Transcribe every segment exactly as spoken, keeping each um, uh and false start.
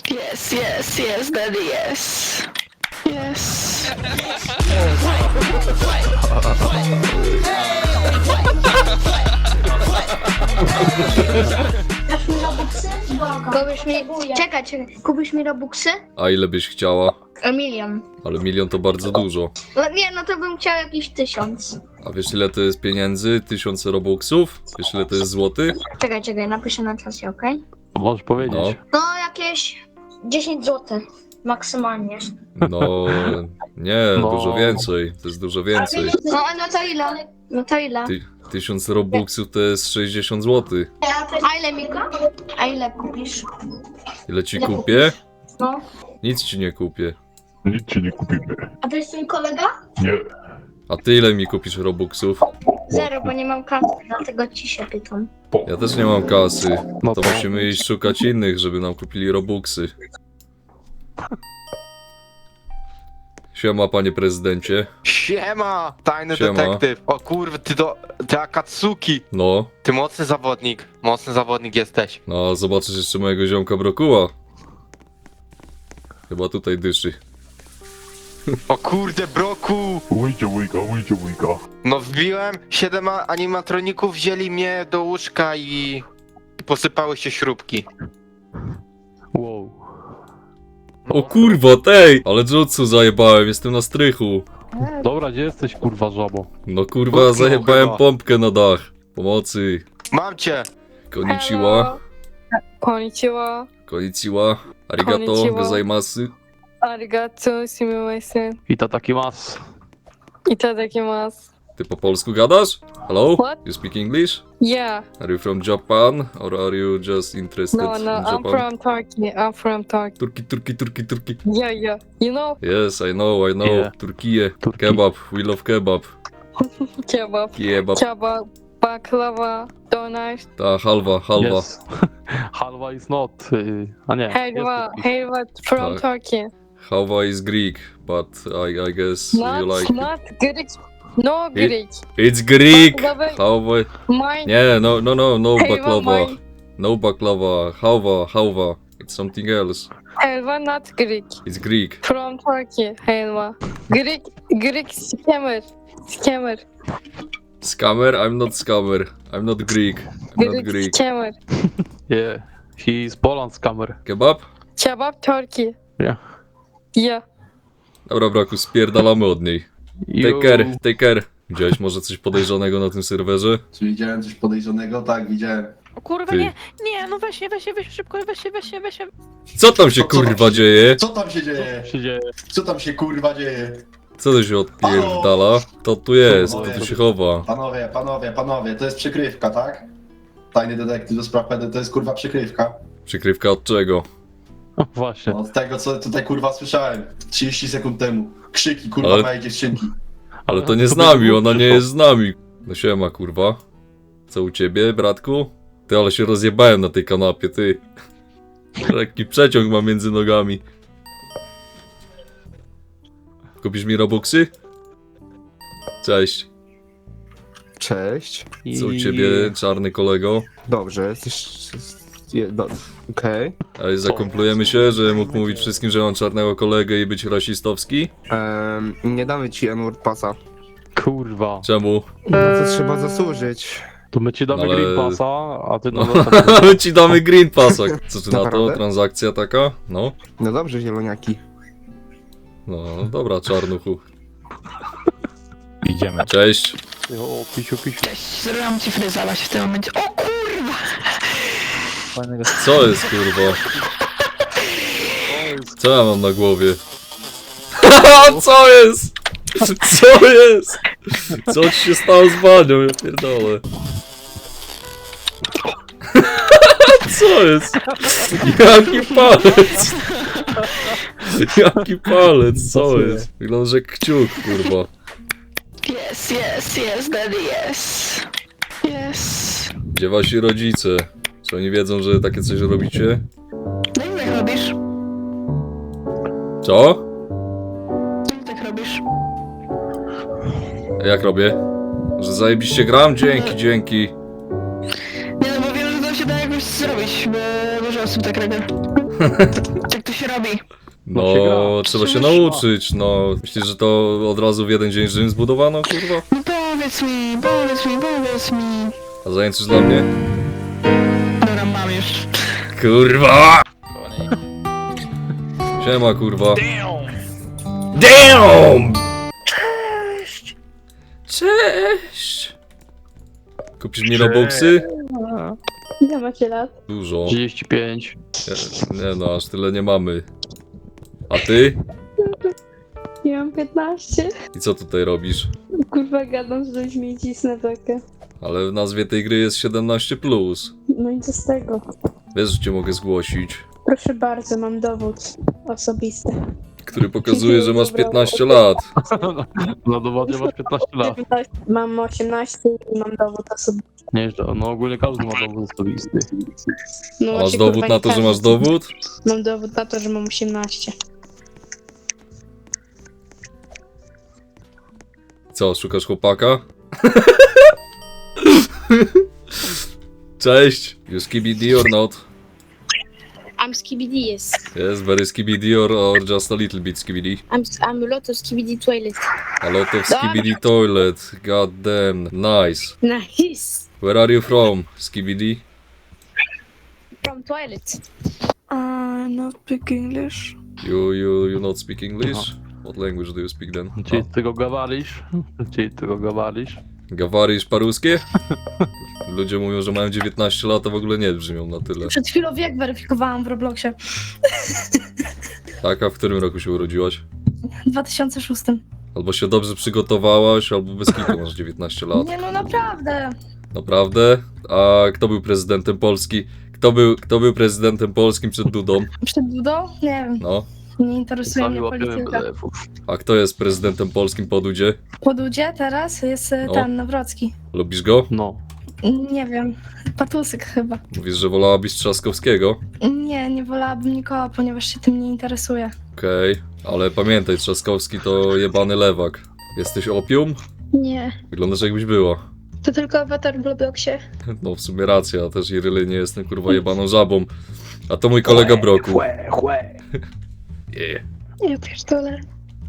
Yes, yes, yes, daddy, yes. Yes. Kupisz mi... Czekaj, czekaj. Kupisz mi robuxy? A ile byś chciała? A milion. Ale milion to bardzo dużo. No nie, no to bym chciał jakiś tysiąc. A wiesz ile to jest pieniędzy? Tysiące robuxów? Wiesz ile to jest złotych? Czekaj, czekaj, napiszę na czasie, okej? Możesz powiedzieć. No. No jakieś dziesięć złotych. Maksymalnie. No nie, No. dużo więcej. To jest dużo więcej. No, no to ile? No to ile? Ty, tysiąc robuxów to jest sześćdziesiąt złotych. A ile mi A ile kupisz? Ile ci kupię? No. Nic ci nie kupię. Nic ci nie kupimy. A to jest twój kolega? Nie. A ty ile mi kupisz robuxów? Zero, bo nie mam kasy, dlatego ci się pytam. Ja też nie mam kasy. No To to- musimy iść szukać innych, żeby nam kupili robuxy. Siema, panie prezydencie. Siema, tajny Siema. detektyw. O kurwa, ty to, ty Akatsuki. No, Ty mocny zawodnik, mocny zawodnik jesteś. no zobaczysz jeszcze mojego ziomka Brokuła. Chyba tutaj dyszy. O kurde, broku. Ujdzie ujka, ujdzie ujka. No wbiłem, siedem a- animatroników wzięli mnie do łóżka i posypały się śrubki. Wow. O kurwa, tej! Ale jutsu zajebałem, jestem na strychu. Dobra, gdzie jesteś, kurwa, żabo? No kurwa, Utknął zajebałem chyba. pompkę na dach. Pomocy. Mam cię. Konnichiwa. Konnichiwa. Konnichiwa. Arigato, Konnichiwa. gozaimasu. Arigato, sumimasen. I to taki mas. Itadakimasu. Ty po polsku gadasz? Hello? What? You speak English? Yeah. Are you from Japan? Or are you just interested No, no, in I'm Japan? from Turkey. I'm from Turkey. Turki, Turki, Turki, Turki. Yeah, yeah. You know, Yes, I know, I know. Yeah. Turkiye. Turki. Kebab. We love kebab. kebab. Kebab. Kebab, baklava, donuts, Ta halwa, halwa. Yes. Halwa is not. y, A nie. helva, jest helva from Tak. Turkey. Halwa is Greek, but I, I guess Not, you like it. not Greek. No It- Greek. It's Greek! Baklava, Halwa... mine. Nie, no, no, no, no Helva, baklava. mine. No baklava. Halwa, halwa. It's something else. Helva, not Greek. It's Greek. From Turkey, helva. Greek, Greek scammer. Scammer. Scammer? I'm not scammer. I'm not Greek. I'm not Greek Greek. scammer. Yeah. He is Poland scammer. Kebab? Kebab Turkey. Yeah. Yeah. Dobra, braku, spierdalamy od niej. Take You- care, take care. Widziałeś może coś podejrzanego na tym serwerze? Czy widziałem coś podejrzanego? Tak, widziałem. O kurwa, Ty. nie, nie, no weź się, weź się, weź się szybko, weź się, weź się, weź się. Co tam się Co- co tam kurwa się- dzieje? Co tam się dzieje? się dzieje? Co tam się kurwa dzieje? Co to się odpierdala? To tu jest, to tu się chowa. Panowie, panowie, panowie, to jest przykrywka, tak? Tajny detektyw do spraw P D to jest kurwa przykrywka. Przykrywka od czego? Właśnie. No, od tego co tutaj kurwa słyszałem trzydzieści sekund temu. Krzyki kurwa Ale- mojej dziewczynki. Ale to nie z nami, ona nie jest z nami. No siema kurwa. Co u ciebie, bratku? Ty, ale się rozjebałem na tej kanapie, ty. Lekki przeciąg mam między nogami. Kupisz mi robuxy? Cześć. Cześć. Co u ciebie, czarny kolego? Dobrze, jesteś... je- do- Okej. Ale zakomplujemy się, że mógł mówić wszystkim, że mam czarnego kolegę i być rasistowski? Em, Nie damy ci N-word pasa. Kurwa. Czemu? No to trzeba zasłużyć. To my ci damy Ale- green passa, a ty No, no. my ci damy green passa. Co ty na to? Naprawdę? Transakcja taka? No. No dobrze, zieloniaki. No, dobra, czarnuchu. Idziemy. Cześć. O, pisiu, pisiu. Cześć, zrobiłam ci fryzować w tym momencie. O kurwa! Co jest, kurwa? Co ja mam na głowie? Co jest? Co jest? Co ci się stało z banią? Ja pierdolę. Co jest? Jaki palec? Jaki palec? Co jest? Wygląda, że kciuk, kurwa. Yes, yes, yes, daddy, yes. Yes. Gdzie wasi rodzice? Czy oni wiedzą, że takie coś robicie? No i jak robisz? Co? No i tak robisz? Jak robię? Że zajebiście gram? Dzięki, dzięki. Nie no, bo wiem, że to się da jakoś zrobić, bo dużo osób tak robi. Jak to się robi? No, się gra. trzeba się Przecież- nauczyć, no. Myślisz, że to od razu w jeden dzień Rzym zbudowano, kurwa? No powiedz mi, powiedz mi, powiedz mi. A zajęczysz dla mnie? Dobra, mam już. Kurwa! Siema, kurwa. Damn! Cześć. Cześć! Kupisz mi Robuxy? Ile macie lat? Dużo. trzydzieści pięć. Nie, nie no, aż tyle nie mamy. A ty? Ja mam piętnaście. I co tutaj robisz? Kurwa, gadam z ludźmi i cisnę takie. Ale w nazwie tej gry jest siedemnaście plus. No i co z tego? Wiesz, że cię mogę zgłosić. Proszę bardzo, mam dowód osobisty. Który pokazuje, że masz piętnaście lat. Na dowodzie masz piętnaście lat. Mam osiemnaście i mam dowód osobisty. Nieźle, no ogólnie każdy ma dowód osobisty. No A masz właśnie, dowód kurwa, na nie to, że każdy. masz dowód? Mam dowód na to, że mam osiemnaście. Co, szukasz chłopaka? Cześć! You skibidi or not? I'm skibidi, yes. Yes, very skibidi or, or just a little bit skibidi? I'm, I'm a lot of skibidi toilet. A lot of skibidi toilet. God damn, nice. Nice. Where are you from, skibidi? From toilet. Uh, not speak English. You, you, you not speak English? What language do you speak then? Czyli ty go gawalisz? Czyli ty go gawalisz? Gawarisz paruskie? Ludzie mówią, że mają dziewiętnaście lat, a w ogóle nie brzmią na tyle. Przed chwilą wiek weryfikowałam w Robloxie. Tak, a w którym roku się urodziłaś? W dwa tysiące szóstym. Albo się dobrze przygotowałaś, albo bez kitu masz dziewiętnaście lat. Nie no, naprawdę. Naprawdę? A kto był prezydentem Polski? Kto był, kto był prezydentem polskim przed Dudą? Przed Dudą? Nie wiem, No. nie interesuje Sami mnie łapiemy polityka. P D F-ów. A kto jest prezydentem polskim po Dudzie? Po Dudzie teraz jest e, No. ten Nawrocki. Lubisz go? No. Nie wiem, Patusyk chyba. Mówisz, że wolałabyś Trzaskowskiego? Nie, nie wolałabym nikogo, ponieważ się tym nie interesuje. Okej, ale pamiętaj, Trzaskowski to jebany lewak. Jesteś opium? Nie. Wyglądasz jakbyś była. To tylko awatar w Robloxie. No w sumie racja, ja też Iryly nie jestem kurwa jebaną żabą. A to mój kolega Broku. Yeah. Ja pierdolę.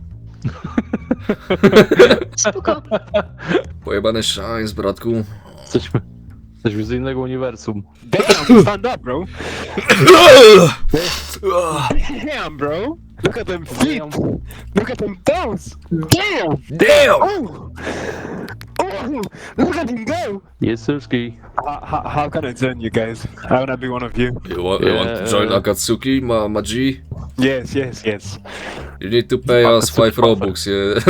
Spoko. Pojebany shines, bratku. Jesteśmy, jesteśmy z innego uniwersum. Damn, stand up, bro. Damn, bro. Look at them feet. Look at them toes. Damn. Damn! Oh. Oh. Look at him go. Jest Syrski. How, how, how can I join you guys? I wanna be one of you. You want, you want to join Akatsuki, ma, ma G? Yes, yes, yes. You need to pay us five Robux, yeah.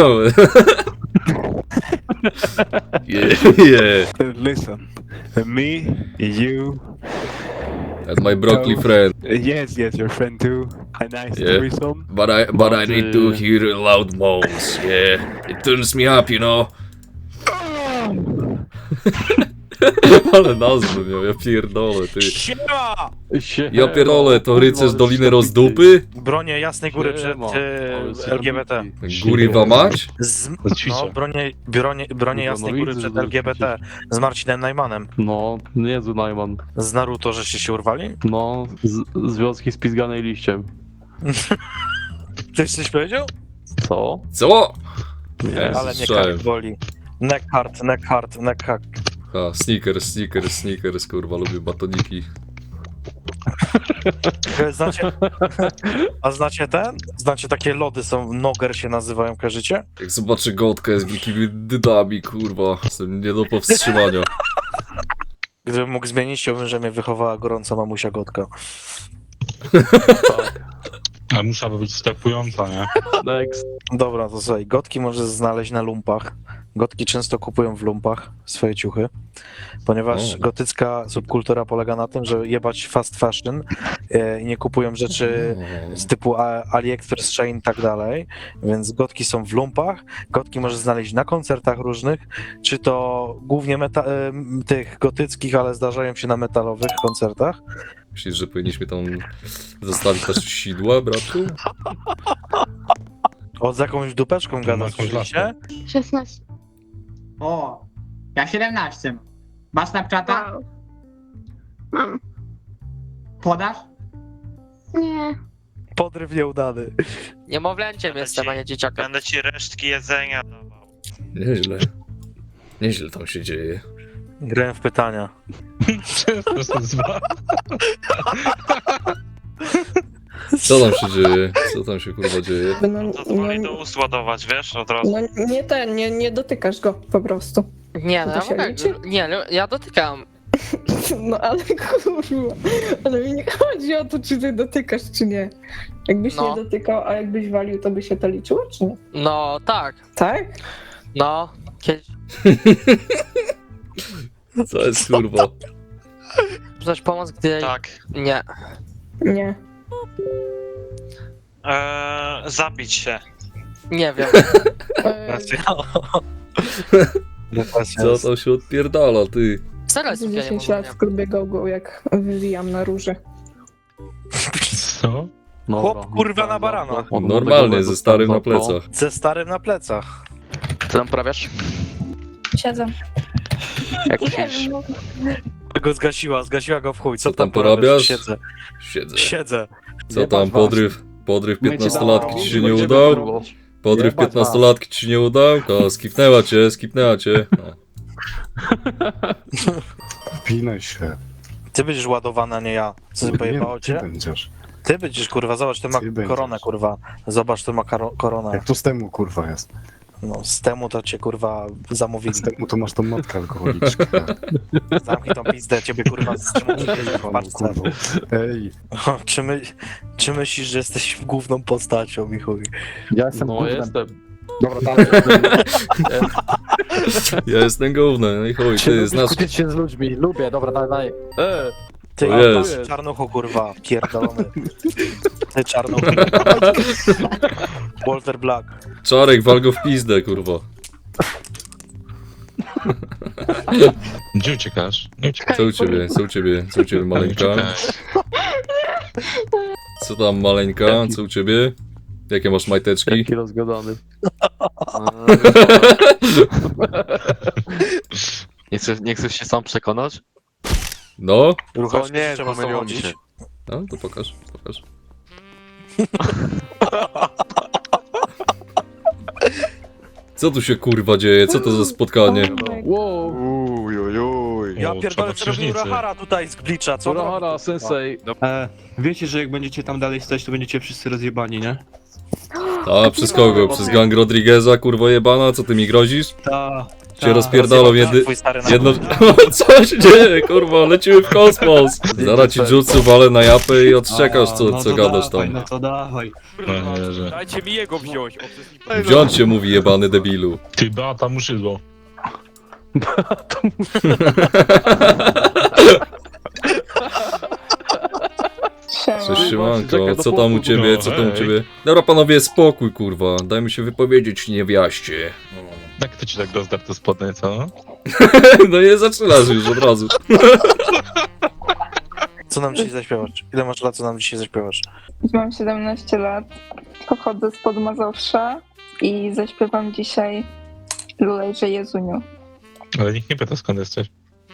yeah, yeah. Uh, Listen, uh, me, you, And my broccoli friend. uh, yes, yes, your friend too. A nice Yeah. threesome. But I, but I But, need to uh, hear loud moans, yeah. It turns me up, you know. Ale nazwę miał, ja pierdolę, ty. Siema! Sie- Ja pierdolę, to rycerz Kurwa, Doliny ale Rozdupy? Bronię Jasnej Góry przed Siema. e, Ale jest L G B T. Guriwa mać? Z, no, bronię, bronię, bronię Jasnej Góry przed L G B T z Marcinem Najmanem. No, niezły Najman. Z Naruto, żeście się urwali? No, z, związki spizganej liściem. Ktoś coś powiedział? Co? Co? Nie, Ja Ale mnie słyszałem. kark boli. Neck hard, neck hard, neck hard. A, sneakers, sneakers, sneakers, kurwa, lubię batoniki. Znacie, a znacie ten? Znacie takie lody są, Noger się nazywają, kojarzycie? Jak zobaczę Gotka z wielkimi dydami, kurwa, jestem nie do powstrzymania. Gdybym mógł zmienić, chciałbym, że mnie wychowała gorąca mamusia Gotka. A musiałaby być stepująca, nie? Next. Dobra, to słuchaj, Gotki możesz znaleźć na lumpach. Gotki często kupują w lumpach swoje ciuchy, ponieważ O. gotycka subkultura polega na tym, że jebać fast fashion e, i nie kupują rzeczy z typu A- AliExpress, Shein i tak dalej, więc gotki są w lumpach, gotki możesz znaleźć na koncertach różnych, czy to głównie meta- e, tych gotyckich, ale zdarzają się na metalowych koncertach. Myślisz, że powinniśmy tam zostawić też sidła, bratku? O, z jakąś dupeczką gada, jakąś słyszeliście? szesnaście. O, ja siedemnaście. Masz Snapchata? Wow. Mam. Podasz? Nie. Podryw nieudany. Niemowlęciem jestem, a nie dzieciakiem. Będę ci resztki jedzenia dawał. Nieźle. Nieźle tam się dzieje. Grałem w pytania. Co tam się dzieje? Co tam się kurwa dzieje? No, Pozwoli do ust ładować, wiesz, od razu. no nie ten, nie, nie dotykasz go po prostu. Nie, no To ja się mogę, liczy? nie, no, ja dotykam. No ale kurwa, ale mi nie chodzi o to, czy ty dotykasz, czy nie. Jakbyś No. nie dotykał, a jakbyś walił, to by się to liczyło, czy nie? No tak, Tak? no. Kiedyś Co jest kurwa? coś pomoc, gdy... Tak. Nie. Nie. Eee, zabić się. Nie wiem. E, Co tam się odpierdala, ty? Zaraz Za ja nie dziesięć lat mówię. w klubie go jak wywijam na róże. Co? Chłop, kurwa, na barana. Normalnie, ze starym na plecach. Ze starym na plecach. Co tam prawiasz? Siedzę. Jak myślisz? Go zgasiła, zgasiła go w chuj. Co, Co tam porabiasz? porabiasz? Siedzę. Siedzę. Siedzę. Co tam, podryw? Podryw piętnastolatki ci się nie udał? Podryw piętnastolatki ci się nie udał? To skipnęła cię, skipnęła cię. No. Pinaj się. Ty będziesz ładowana, nie ja. Co ty pojebało cię? będziesz. Ty będziesz, kurwa, zobacz, ty ma Ty będziesz. koronę, kurwa. Zobacz, ty ma karo- koronę. to z temu kurwa jest? No, z temu to cię, kurwa, zamówili. temu to masz tą matkę alkoholiczkę. Zamknij tą pizdę, ciebie, kurwa, z czemu w parce. Ej. Czy, my, czy myślisz, że jesteś główną postacią, mi chuj? Ja jestem No jestem. Dobra, dalej. Ja jestem główny, no i chuj, ty znasz... Kłócić się z ludźmi, lubię, dobra, dalej, dalej. E, Ty, O jest. ty czarnuchu, kurwa, pierdolony. Ty czarnuchu. Walter Black. Czarek, wal go w pizdę, kurwa. Gdzie uciekasz? Nie uciekaj. Co u ciebie, co u ciebie, co u ciebie, maleńka? Co tam, maleńka, co u ciebie? Jakie masz majteczki? jaki rozgadany. Nie chcesz, nie chcesz się sam przekonać? No? Ruchasz, nie, trzeba pomyliło mi samochodzić. się. No, to pokaż, pokaż. Co tu się kurwa dzieje? Co to za spotkanie? Wow, Uj, uj, uj. Ja O, pierdolę, co robił czarnoksiężnicy. Urahara tutaj z Glitcha, co on robi? Urahara, sensei. E, wiecie, że jak będziecie tam dalej stać, to będziecie wszyscy rozjebani, nie? A, przez kogo? Przez gang Rodrigueza, kurwo jebana? Co ty mi grozisz? Ta. Cię rozpierdolą jedy... Twój stary na Jedno... Co się dzieje, kurwa? Lecimy w kosmos! Zaraz ci jutsu walę na japę i odczekasz, A, co, no co to gadasz dawaj, tam. No to dawaj. No nie wierzę. Dajcie mi jego wziąć. Wziąć się mówi, jebany debilu. Ty, Beata Muszydło. Cześć, siemanko, Czekaj, do co tam u płotu, ciebie, no, co tam u hej. ciebie? Dobra panowie, spokój kurwa, dajmy się wypowiedzieć niewiaście. Jak to ci tak rozdarł te spodnie, co? No nie zaczynasz już od razu. Co nam dzisiaj zaśpiewasz? Ile masz lat, co nam dzisiaj zaśpiewasz? Mam siedemnaście lat, pochodzę spod Mazowsza i zaśpiewam dzisiaj Lulejże Jezuniu. Ale nikt nie pyta, skąd jesteś.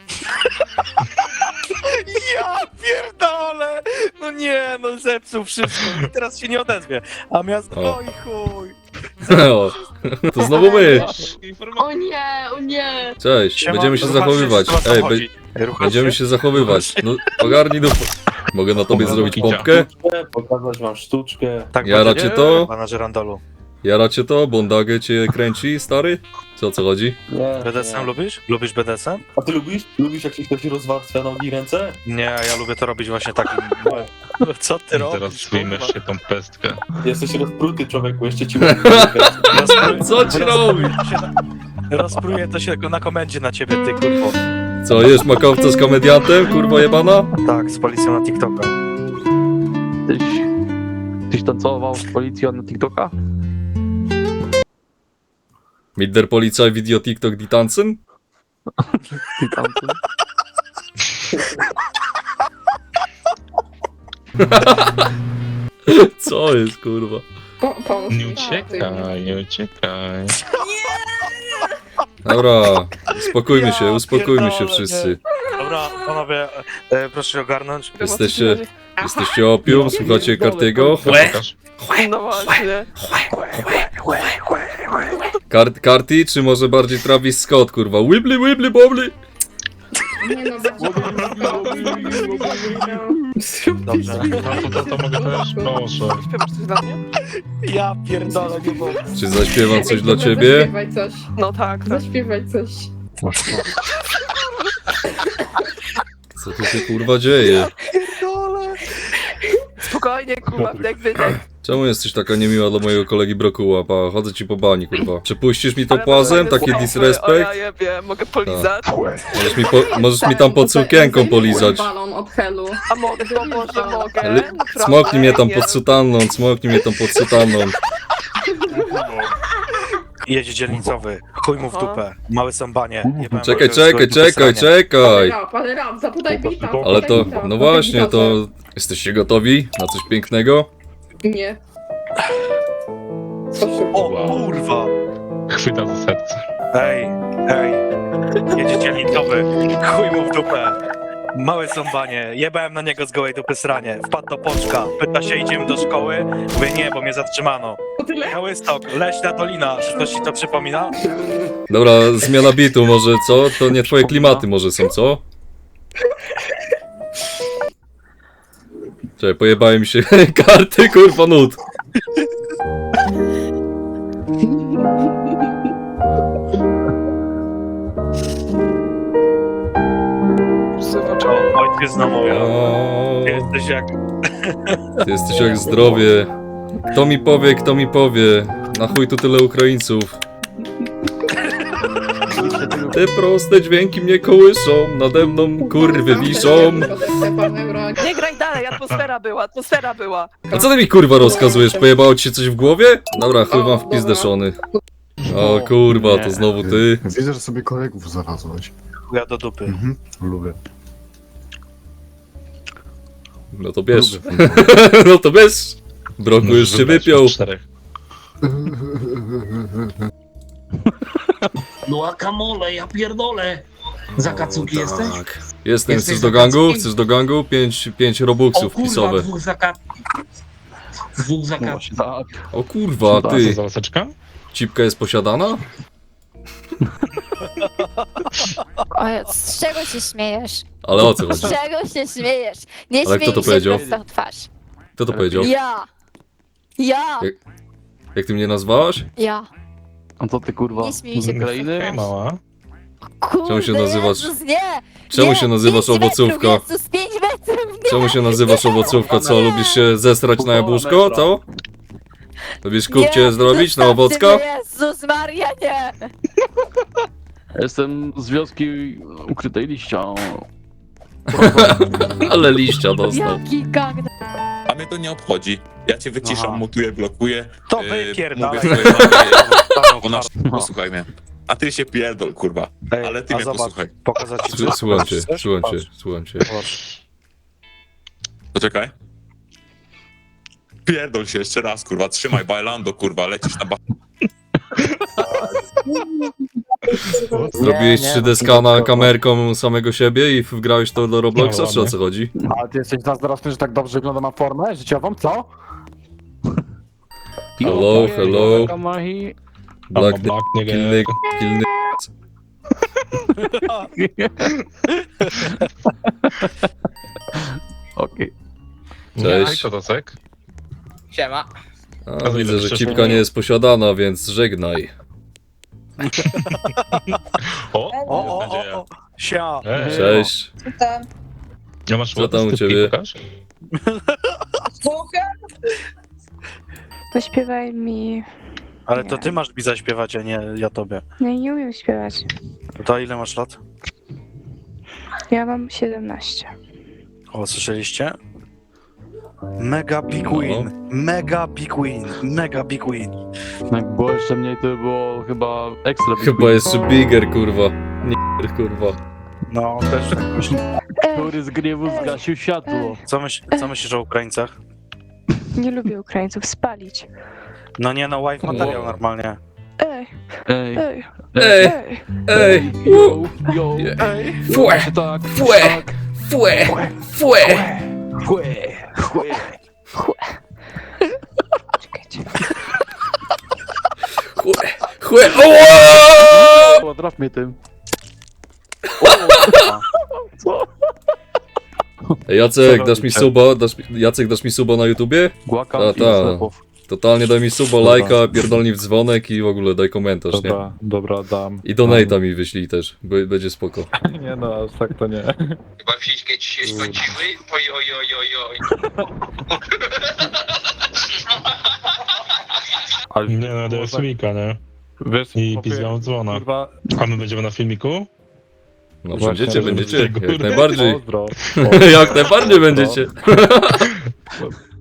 Ja pierdolę! No nie, no zepsuł wszystko. I teraz się nie odezwie. A miasto... O. Oj chuj! O, to znowu my. O nie, o nie. Cześć, Siema, będziemy się ruchasz zachowywać. trzeba Ej, be samochodzić. Ruchasz będziemy się zachowywać. No, ogarnij dupę. Mogę na tobie zrobić pompkę? Pokazać wam sztuczkę. Tak Jara będzie? cię to? Pana żerandolu. Jara cię to? Bondagę cię kręci, stary? Co, o co chodzi? Nie. B D S M lubisz? Lubisz B D S M? A ty lubisz? Lubisz jak się ktoś rozwarstwia nogi i ręce? Nie, ja lubię to robić właśnie takim... Co ty robisz? Teraz wyjmiesz się tą pestkę. Jesteś rozpruty, człowieku, jeszcze ci Co ci robi? Rozpruje to się na komendzie na ciebie, ty kurwo. Co, jesz makowca z komediantem, kurwa jebana? Tak, z policją na TikToka. Tyś, tyś tancował z policją na TikToka? Mit der Polizei Video TikTok die tanzen? Ty tamten. Co jest, kurwa? Po, pomóż Nie mi. uciekaj, nie uciekaj. Dobra, uspokójmy się, Ja uspokójmy się pierdolę, wszyscy. Dobra, panowie, e, proszę ogarnąć. Jesteście, Jesteście opium, słuchacie Kartiego? Pokaż. No właśnie. Kart, Karti, czy może bardziej Travis Scott, kurwa? Wibbly, wibbly, bobbly! Nie no, Dobrze. No to, to, to mogę też? Proszę. Śpiewasz coś dla mnie? Ja pierdolę, nie mogę. Czy zaśpiewam coś dla ciebie? Zaśpiewaj coś. No tak, tak. Zaśpiewaj coś. Co tu się kurwa dzieje? Spokojnie, kurwa, wdech, wydech. Czemu jesteś taka niemiła dla mojego kolegi Brokuła? Pa, chodzę ci po bani, kurwa. Czy puścisz mi to Ale płazem? będę Taki słuchał, disrespect? O ja jebie, mogę polizać? Możesz mi, po, możesz mi tam pod sukienką polizać. Balon od helu. A mogę, bo może mogę. Ale Naprawdę, Smoknij mnie tam nie. pod sutanną, smoknij mnie tam pod sutanną. Jedzie dzielnicowy, chuj mu w dupę, małe sambanie. jebałem Czekaj, go, czekaj, zgodnie czekaj, wysranie. czekaj! Rap, ale rap, zapodaj bita. Ale to, no właśnie, to... Jesteście gotowi na coś pięknego? Nie. O kurwa! Chwyta za serce. Ej, ej, jedzie dzielnicowy, chuj mu w dupę. Małe sąbanie, jebałem na niego z gołej dupy sranie. Wpadł do poczka, pyta się, idziemy do szkoły? Mówię, nie, bo mnie zatrzymano. To tyle? Białystok, leśna dolina, czy coś ci to przypomina? Dobra, zmiana bitu może, co? To nie twoje klimaty może są, co? Czekaj, pojebałem mi się karty, kurwa, nut. O, ojczyzna moja, O, ty jesteś jak... ty jesteś jak zdrowie. Kto mi powie, kto mi powie? Na chuj tu tyle Ukraińców. Te proste dźwięki mnie kołyszą, nade mną kurwy wiszą. Nie graj dalej, atmosfera była, atmosfera była. A co ty mi kurwa rozkazujesz? Pojebało ci się coś w głowie? Dobra, chuj wam w pizdeszony. O kurwa, to znowu ty. Widzę, że sobie kolegów zarazłeś. Chuja do dupy. Mhm, lubię. No to bierz. Lubię. No to bierz. Broku już się Wybrać wypiął. od czterech. No akamole, ja pierdolę. Za kacuki jesteś? Tak. Jestem, Jesteś chcesz do za gangu? kackiem? Chcesz do gangu? Pięć, pięć O robuxów kurwa, wpisowe. dwóch za Dwóch za Tak. O kurwa, Co ty. za laseczka? Cipka jest posiadana? O, z czego się śmiejesz? Ale o co chodzi? Z czego się śmiejesz? Nie Ale kto śmiej to się powiedział? prosto w twarz. Kto to powiedział? Ja! Ja! Jak- Jak ty mnie nazwałaś? Ja! A co ty kurwa? Nie śmiej się Z prosto w Ukrainy? Hej, twarz. mała. Kurde, Czemu się nazywasz- Jezus, nie! Czemu nie, się nazywasz pięć owocówka? Metrów, Jezus, pięć metrów, nie! Czemu się nazywasz owocówka? Co, lubisz się zesrać na jabłuszko? Co? Lubisz kupcie Nie, zrobić na zostawcie owocka? mnie, Jezus Maria, nie! Jestem z wioski ukrytej liścia. Ale liścia dostał. Jaki gagna. A mnie to nie obchodzi. Ja cię wyciszam, Aha. mutuję, blokuję. To yy, wypierdalaj. Mówię swojej mamie, ona posłuchaj mnie. A ty się pierdol, kurwa. Ej, Ale ty a mnie zobacz, posłuchaj. pokazać ci Słu- coś? Słucham cię, Chcesz? słucham cię, Patrz, słucham cię. patrz. Poczekaj. Pierdol się jeszcze raz, kurwa. Trzymaj, bailando, kurwa. Lecisz na ba... Zrobiłeś Nie, nie, trzy D no, skana kurwa. kamerką samego siebie i wgrałeś to do Robloxa, No, czy o ładnie. co chodzi? A ty jesteś zazdrosny, że tak dobrze wygląda ma formę życiową, co? Hello, hello. Kamahi. Black Black nigga. Kilny, kilny. Okej. Hej, Cześć. to Tocek. Siema. A, widzę, że cipka nie jest posiadana, więc żegnaj. O, O, o, mam nadzieję. o, o. Sia. Ej, Cześć. nie masz Co tam u stypki, ciebie? pokaż? Zaśpiewaj mi. Ale to ty masz mi zaśpiewać, a nie ja tobie. Nie, nie umiem śpiewać. To ile masz lat? Ja mam siedemnaście. O, słyszeliście? Mega big win, mega big win, mega big win. Jak było jeszcze mniej, to by było chyba ekstra. Chyba jeszcze bigger, kurwa. Nie, kurwa. No, też tak myślę. Który z gniewu zgasił światło. Co, myśl, co myślisz o Ukraińcach? Nie lubię Ukraińców spalić. No nie, no wife materiał normalnie. Ej, Ej, ej, Ej, ej. ej, yo, yo. Yeah. Ej, Fue, Tak, fue, tak. fue, fue. fue. Chuje. Chłe, chłe, oła! O, drap mnie tym. Ej, Jacek, dasz mi suba, dasz, mi- Jacek, dasz mi suba na YouTubie? Głaka Ta, i ta. sklepów. Totalnie daj mi suba, Dobra. lajka, pierdolnij w dzwonek i w ogóle daj komentarz, nie? Dobra, dobra, dam. I donate'a mi wyślij też, b- będzie spoko. Nie no, aż tak to nie. Chyba fiszkę ci się skończyły? Oj, oj, oj, oj, oj. Ale Nie no, daję filmika, nie? wiesz, I chłopie, pizgam dzwona. Kurwa, A my będziemy na filmiku? No Właśnie, będziecie, żeby będziecie, tego- jak najbardziej. pozdro. Jak najbardziej będziecie.